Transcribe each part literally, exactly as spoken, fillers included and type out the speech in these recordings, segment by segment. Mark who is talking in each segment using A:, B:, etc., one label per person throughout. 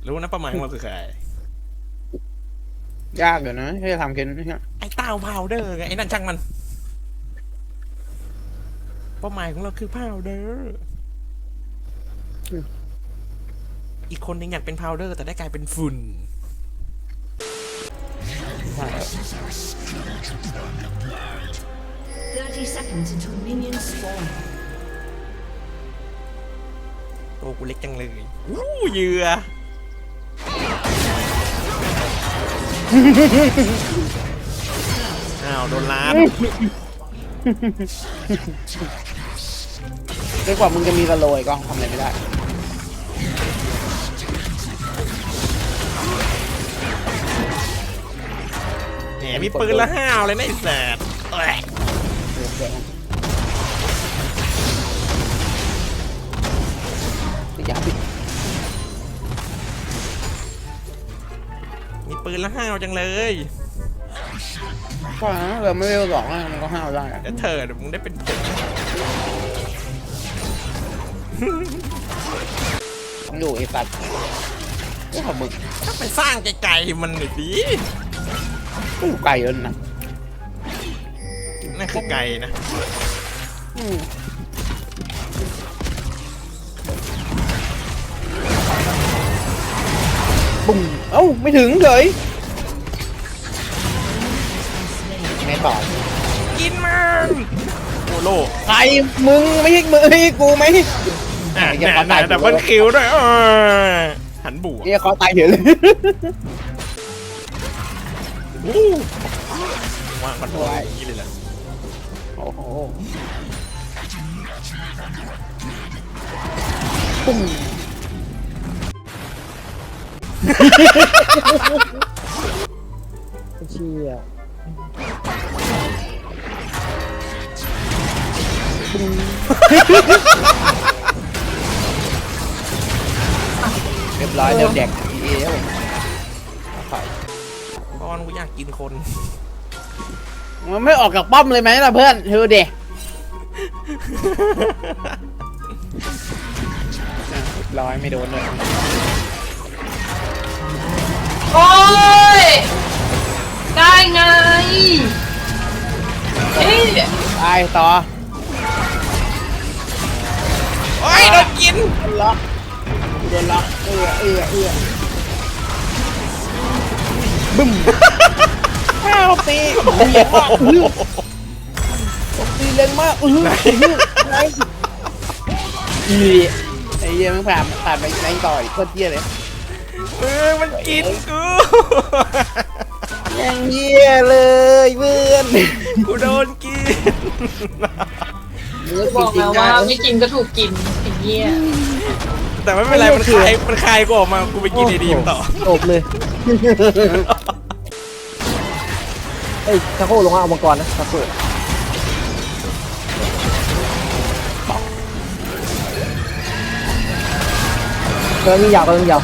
A: รู้นะประมาณของเราคือใคร
B: ยากอยู่นะที่จะทำเคน
A: ไอ้เต้าพาวเดอร์ไงไอ้นั่นช่างมันเป้าหมายของเราคือพาวเดอร์อีกคนนึงอยากเป็นพาวเดอร์แต่ได้กลายเป็นฝุ่น
C: thirty seconds until minions spawn.
A: ตัวกูเล็กจังเลยวู้เหยื่ออ้าวโดนล้าน
B: ด้วยกว่ามึงจะมีสโลยก็ทำอะไรไม่ได้
A: แหมมีปืนละห้าวเลยนะไอ้แสบ
B: อย่าปิด
A: มีปืนละห้าวจังเลย
B: ก็นะเราไม่เวลสองมันก็ห้าวได้
A: เดี๋ยวเธอเดี๋ยวมึงได้เป็นผม
B: ต้องอยู่ไอ้ปัดนี่ของมึง
A: ถ้าไปสร้างไกลๆมันหน่อยดิ
B: กูไกลแล้วนะ
A: นั่นคือไกลนะ
B: บุ้งเอ้าไม่ถึงเลยไม่ต่อ
A: กินมันโอโล
B: ใครมึงไม่ใช่มึงไม่ใช่กูไหม
A: อ่ะแต่แต่มันคิวด้วยเออหันบวก
B: เนี่ยเขาตายเฉยเลย
A: ว่างมันตัวอย่างนี้เลยแหละ
B: โอ้โหปุ้งเชี่ยเรียบร้อยเริ่มแดกทีเอแล้ว
A: ตอนกูอยากกินคน
B: มันไม่ออกจากป้อมเลยไหมล่ะเพื่อนเธอเด็กร้อยไม่โดนเลย
D: โอ้ยได้ไงเฮ้ย
B: ตายต่อ
A: โอ้ยโดนกิน
B: ล็อกโดนล็อกเอื้อเอื้อเอื้อบึ้มข้าวตีเหี้ยมากอื้อตีแรงมากอื้อไอ้อีไอ้เหี้ยมันผ่านผ่านไปไหนต่อยโคตรเหี้ยเลย
A: เออมันกินกู
B: ยังเหี้ยเลยเพื่อน
A: กูโดนกิน
D: บอกแล้วว่าไม่กินก็ถูกกินไอ้เหี้ย
A: แต่ไม่เป็นไรมันคายมันคายกูออกมากูไปกินไอ้ดีมต่อ
B: จบเลยเฮ้ยทาโก้ลงมาเอามังกรนะทาโก้เกินมียาวเกินมียาว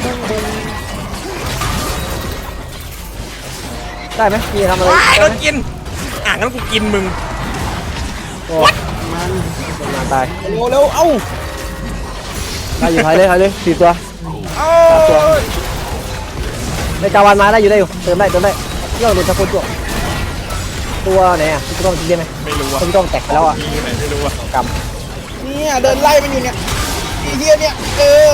B: ได้ไหมพี่ทำอะไร
A: โดนกินอ่ะงั้นกูกินมึง
B: วัดมันมันตายเร็วเร็วเอ้าได้อยู่ท้ายเลยท้ายเลยสี่ตัวสามตัวในจาวันมาได้อยู่ได้อยู่เติมได้เติมได้เรื่องโดนตะกุนตัวตัวไหนอ่ะพี่ต้องกินได้ไหม
A: ไม่รู้ว่า
B: พี่ต้องแตกไปแล้วอ่ะ
A: ไม่รู้ว่าก
B: ำเนี่ยเดินไล่มันอยู่เนี่ยไอ้เหี้ยเนี่ยเออ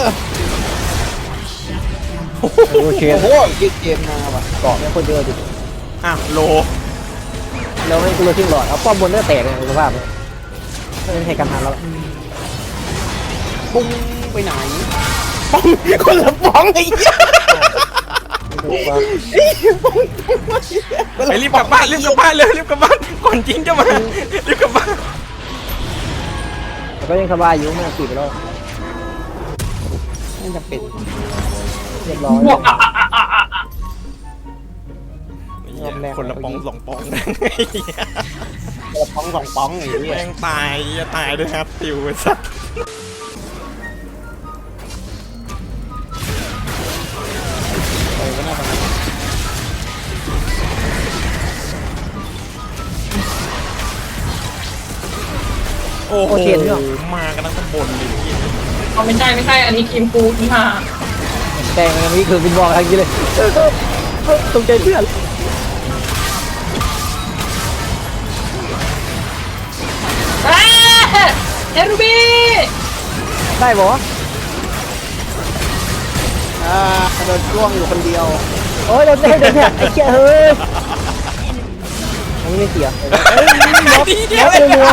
B: โอเคโอ้โหยิงเกมมาว่ะเกาะเนี่ยคนเยอะดิ
A: อ่ะโล
B: แล้วให้กูเลยทิ้งหลอดเอาป้อมบนก็แตกเลยสภาพเนี่ยไม่เป็นเหตุการณ์ทันแล้วปุ้งไปไหนป้องคนละป้องไอ้เหี้ย
A: ไปรีบกลับบ้านรีบกลับบ้านเลยรีบกลับบ้านก่อนจริงจะมารีบกลับบ้าน
B: แต่ก็ยังสบายอยู่ไม่ต้องติดไปแล้วไม่จำเป็นเรียบร้อย
A: คนละปองสองปอง
B: คนละปองสองปองไอ้เหี้ย
A: แม่งตายจะตายด้วยครับติวไอ้สัสโอ้โหมากันทั้งตำบลเลย
D: เอาไม่ใช่ไม่ใช่อันนี้ทีมกูที่มา
B: ใจดงมันมีคือบินบอกทางนี้เลยตรงใจเพื่อน
D: เอ้ยเฮรูบี้
B: ได้บอ
E: อ่าโดนช่วงอยู่คนเดียว
B: โอ้ยโดนแดงโดนแดงไอ้เจ้าเฮ้ยอันนี้ไม่เสีย
A: ดีเดีย
B: แล้ว วเป็นมัว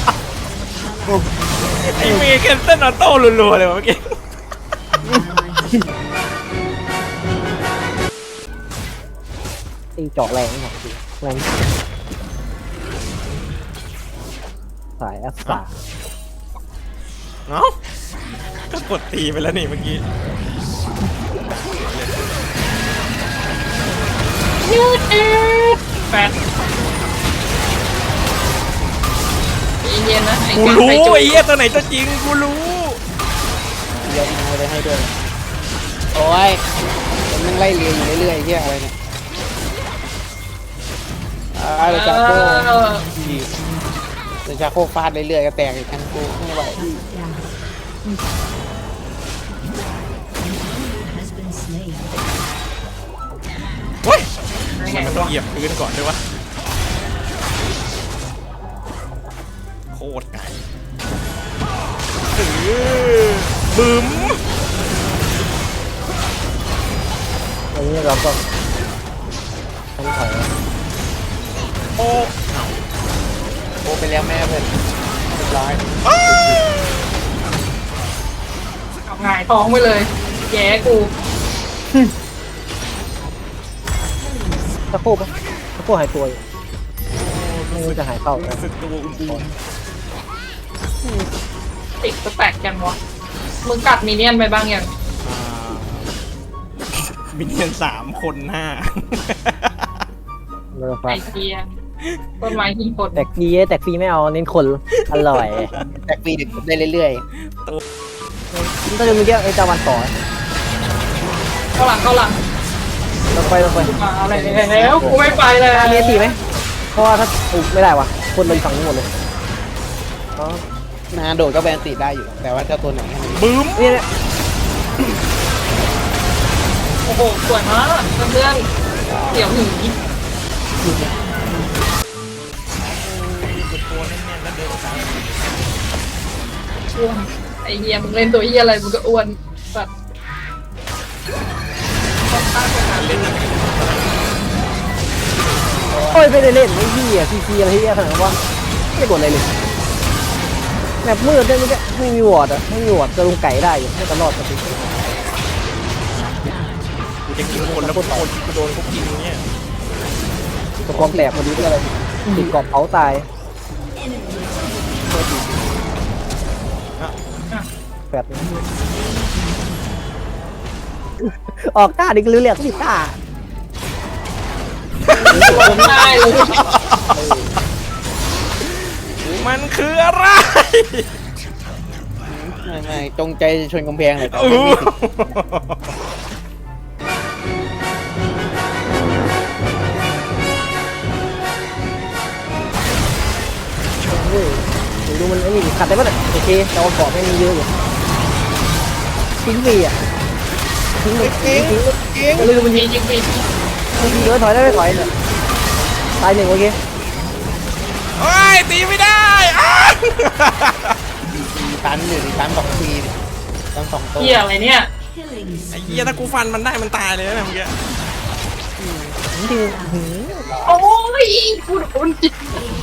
A: ไอ้เมย์แคนเซิลออโต้รัวๆเลยวะเมื่อกี้
B: ตีเจาะแรงหน่อยสิแรงสายแอสตา
A: เอ้าก็กดตีไปแล้วนี่เมื่อกี้
D: ยืดเอ็ดแปดเย็นๆนะไอ้
A: กู
D: เกม
A: รู้
D: ไปจุ๊
A: ไอ้เหี้ยตัวไหนตัวจริงกูรู้
E: เยอะมาเลยให้ด้วยโอ้ยมันนั่งไล่เรียอยู่เรื่อยๆเฮียอะไรเนี่ยอ่าเดี๋ยวจากโก้เดี๋ยวจากโก้ฟาดเรื่อยๆก็แตกอีกครั้งกูไม่ไหว
C: has been slain.
A: เฮ้ยมันต้องเหยียบพื้นก่อนด้วยวะโคตรไกลเออบึ้ม
B: อันนี้เราก็ทำถอย
A: โอ้
E: โอ้ไปแล้วแม่เพื่อนเรียบร้อย
D: เอาหงายท้องไปเลย แย่กู
B: ตะโคบตะโคบหายตัวอยู่ไม่รู้จะหายเข้า
A: รู้สึกตัวอุ่น
D: ติดสแต็กกันวะมึงกัดมิเนียนไปบ้างยัง
A: ๆอ่ามินเนียนสามคนหน้า
B: เราฟั
D: ไอง เทียต้นไม้หินผล
B: แตกฟรีแตกฟรีไม่เอาเน้นคนอร่อย
E: แตกปีดึกได้เรื่อย
B: ถ้าจะมีเดียวไอ้จาวันต่อ
D: เข้าหลังเข้าหลัง
B: เราไปเราไป
D: มาอะไรแล้วกูไม่ไปเลย
B: มีตีไหมเพราะว่าถ้าอุ๊ยไม่ได้วะคนเลยฝั่งนี้หมดเลยอ๋อ
E: ๆนะโดดก็แบนติดได้อยู่ แต่ว่าเจ้าตัวไหนให้มัน
A: บึ้ม
B: นี่เนี่ย
D: โอ้โหสวยมากเพื่อนๆเดี๋ยวหนี
A: ตัวแน่นๆแล้วเดินตาม
D: อ้วนไอเฮียมึงเล่นตัวเฮียอะไรมึงก็อ้วนสัตว์ต้องตั้งสถานเล่น
B: โอ้ยไม่ได้เล่นไม่พี่อ่ะซีซีอะไรที่ขนาดนั้นว่าไม่กดอะไรเลยแบบมืดได้ไม่ได้ไม่มีวอร์ดอ่ะไม่มีวอร์ดจะลงไก่ได้อยู่ไม่ตลอดปกติ
A: กูจะกินคนแล้วคนกูโดนเขากินเนี่ย
B: ตะกองแตกพอดีด้วยอะไรติดกรอบเผาตายแปดออกต้าดิกลือเรียกสิต้า
D: ผมได้เลย
A: มันคืออะไร
E: ไม่ไม่จงใจจะชนกำแพงเลยแต่
A: อู้
E: ไม่มีสิทธิ์
B: เฮ้ยเดี๋ยวดูมันไอ้นี่ดิขัดได้ปะเนี่ยโอเคแต่ว่าเกาะไม่มีเยอะอยู่ทิ้งฟรีอ่ะทิ้งเลยทิ้งทิ้งทิ้งลืมมัน
D: มี
B: ยิง
D: จริงมี
B: ทิ้งเยอะถอยได้ไม่ถอยเนี่ยตายหนึ่งโอเค
A: โอ้ยตีไม่ได้อ้า
E: ตีตันอยู่ตีตันสองทีดิตันสองตัว
D: เฮียอะไรเนี่ย
C: Killing
A: ไอ้เหี้ยถ้ากูฟันมันได้มันตายเลยนะเมื่อกี้
B: ทิ้งทิ้งหืม
D: โอ้ยกูโดนจิต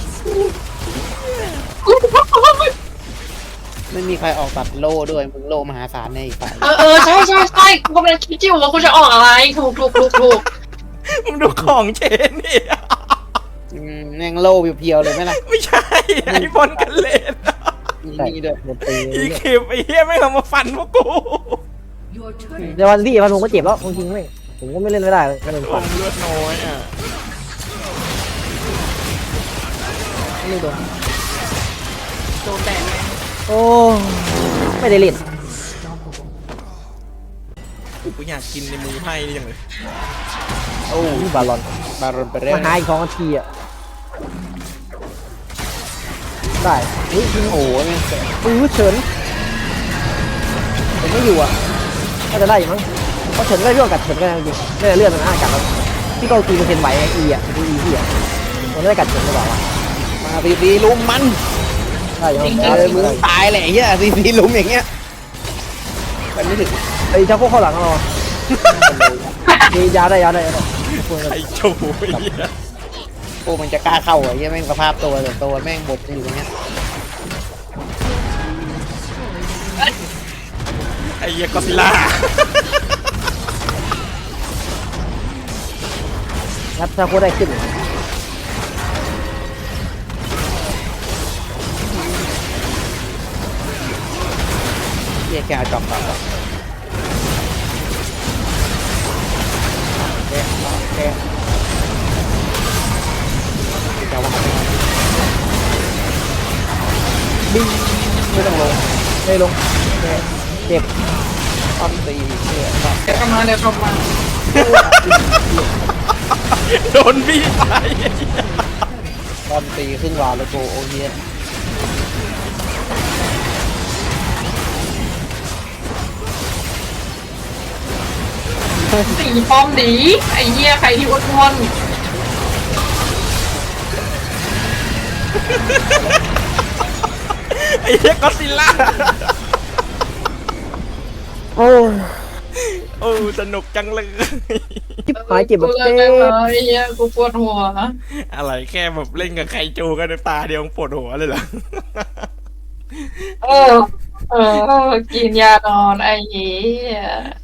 D: กู
E: ไม่มีใครออกตัดโล่ด้วยมึงโล่มหาศาลในอีกฝ่าย
D: เออเออใช่ใช่ใช่กูกำลังคิดอยู่ว่ากูจะออกอะไรถูกถูกถูกถูก
A: มึงดูของเชนนี่
E: อืมแม่งโล่เพียวๆเลยไหมล่ะ
A: ไม่ใช่ไอ้บอลกันเล่น
E: มีนี่ด้วย
B: เดี๋ยวตี
A: อีคลิปไอ้เหี้ยไม่เอามาฟันพวกกู
C: your turret
B: เดี๋ยววันที่พันผมก็เจ็บแล้วจริงๆไม่ผมก็ไม่เล่นไม่ได้เลยก็เลย
A: โอ้
B: ฟัน
A: เลือดน้อยอ่ะ
B: ไม่โดน
D: โดนแดดเลย
B: โอ้ไม่ได้เล่น
A: กูอยากกินในมือไพ่นี่จังเลย
E: โอ้
B: นี่บาลอน
E: บารอนไปเรื่อ
B: มาย หาอีกสองนาทีอ่ะได้เฮ้ยทิ้ง
E: โอ้โหแม่งแสบ
B: ปื้อเฉินผมไม่อยู่อ่ะน่าจะได้อยู่มั้งเขาเฉินก็ได้พี่กัดเฉินก็ได้จริงๆไม่ได้เลื่อนมันอ้ากัดแล้วพี่ก็กีเปอร์เซ็นต์ไหวไอ้อีอ่ะคืออีพี่อ่ะมันไม่ได้กัดเฉินหรือเปล่าวะ
E: มาซีซีลุมมัน
B: ได้ยัง
E: เออมึงตายแหละไอ้เหี้ยซีซีลุมอย่างเงี้ยมันไม่ถึง
B: ไอ้ชาโคเข้าหลังเรามียาได้ยาได้ยาได้
A: ไอ้โจ้ไอ้เหี้ย
E: โอ้มันจะกล้าเข้าเหรอไอ้เหี้ยแม่งสภาพตัวแต่ตัวแม่งบดอยู่อย่างเงี้ย
A: ไอ้เหี้ยก็อดซิลล่า
B: งัดชาโคได้ขึ้น
E: เหี้ยแกเอาจอมต่อก่อนแกแกจะว่า
B: บิงไม่ต้องลงไม่ลงเจ็บ
E: ต้นตีเหี้ย
D: เดี๋ยวกลับมาเดี๋ยวกลับมา
A: โดนบี้ตายไอ้เหี้ย
E: ต้นตีขึ้นวาแล้วโกโอเหี้ย
D: สีป้อมดีไอ้เหี้ยใครที่อ้วน
A: ไอ้เหี้ยก็อดซิลล่า
B: โอ้ย
A: โอ้สนุกจังเลย
B: จิบหายเจ็บ
D: ๆ
B: แบบ
D: กู
B: เจ็
D: เลิกได้ไหม
B: บ
D: ไอ้เหี้ยกูปวดหัว
A: อะไรแค่แบบเล่นกับไคจูกันในตาเดียวปวดหัวเลยเหรอ
D: เออ เออ กินยานอนไอ้เหี้ย